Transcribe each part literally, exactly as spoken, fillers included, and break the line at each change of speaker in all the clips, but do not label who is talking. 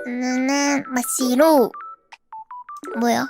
나는 마시로. 뭐야?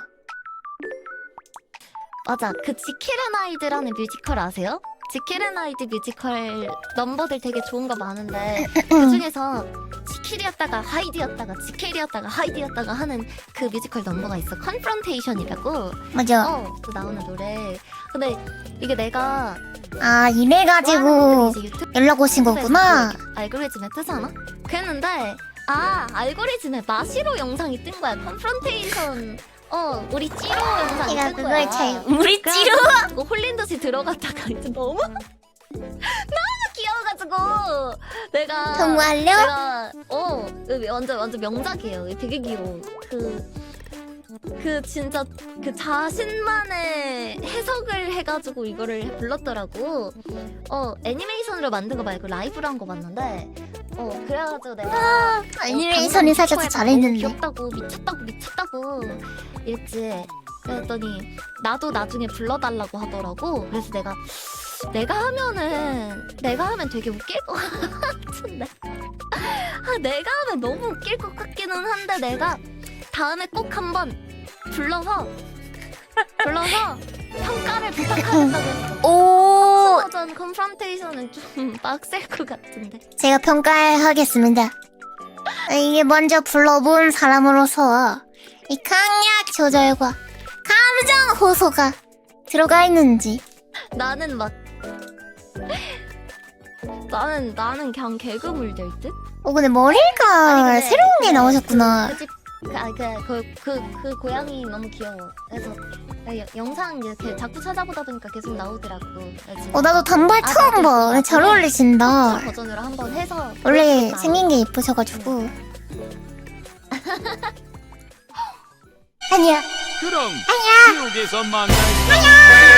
맞아. 그 지킬앤하이드라는 뮤지컬 아세요? 지킬앤하이드 뮤지컬 넘버들 되게 좋은 거 많은데 그 중에서 지킬이었다가 하이드였다가 지킬이었다가 하이드였다가 하는 그 뮤지컬 넘버가 있어. 컨프런테이션이라고.
맞아.
어, 그 나오는 노래. 근데 이게 내가
아 이래가지고
좋아하는 분들이 이제 유튜브
연락 오신 거구나.
알고리즘에 뜨잖아? 그랬는데 아 알고리즘에 마시로 영상이 뜬 거야. 컨프런테이션 어 우리 찌로 영상이
내가
뜬 거야.
그걸 잘 우리 찌로.
그래가지고 홀린 듯이 들어갔다가 이제 너무 너무 귀여워가지고 내가
정말요?
내가 어 완전 완전 명작이에요. 되게 귀여워. 그 그 진짜 그 자신만의 해석을 해가지고 이거를 불렀더라고. 어 애니메이션으로 만든 거 말고 라이브로 한 거 봤는데 어 그래가지고 내가
애니메이션이 살짝 더 잘했는데.
귀엽다고 미쳤다고 미쳤다고 이랬지. 그랬더니 나도 나중에 불러달라고 하더라고. 그래서 내가 내가 하면은 내가 하면 되게 웃길 것 같은데 아 내가 하면 너무 웃길 것 같기는 한데 내가 다음에 꼭 한번 불러서 불러서 평가를 부탁하겠다고 했어.
오,
버전 컨프런테이션은 좀 빡셀 것 같은데.
제가 평가하겠습니다. 이게 먼저 불러본 사람으로서 이 강약 조절과 감정 호소가 들어가 있는지.
나는 막 나는 나는 그냥 개그물 될 듯?
어 근데 머리가
아니, 근데
새로운 게
그-
나오셨구나.
그 집, 그, 아, 그, 그, 그, 그 고양이 너무 귀여워. 그래서 나 여- 영상 이렇게 자꾸 찾아보다 보니까 계속 나오더라고. 그래서
어 나도 단발
아,
처음
나도
봐.
나도
잘
그
어울리신다.
버전으로 한번 해서
원래
보여드릴까?
생긴 게 예쁘셔가지고. 아니야.
그럼 지옥에서 만날까?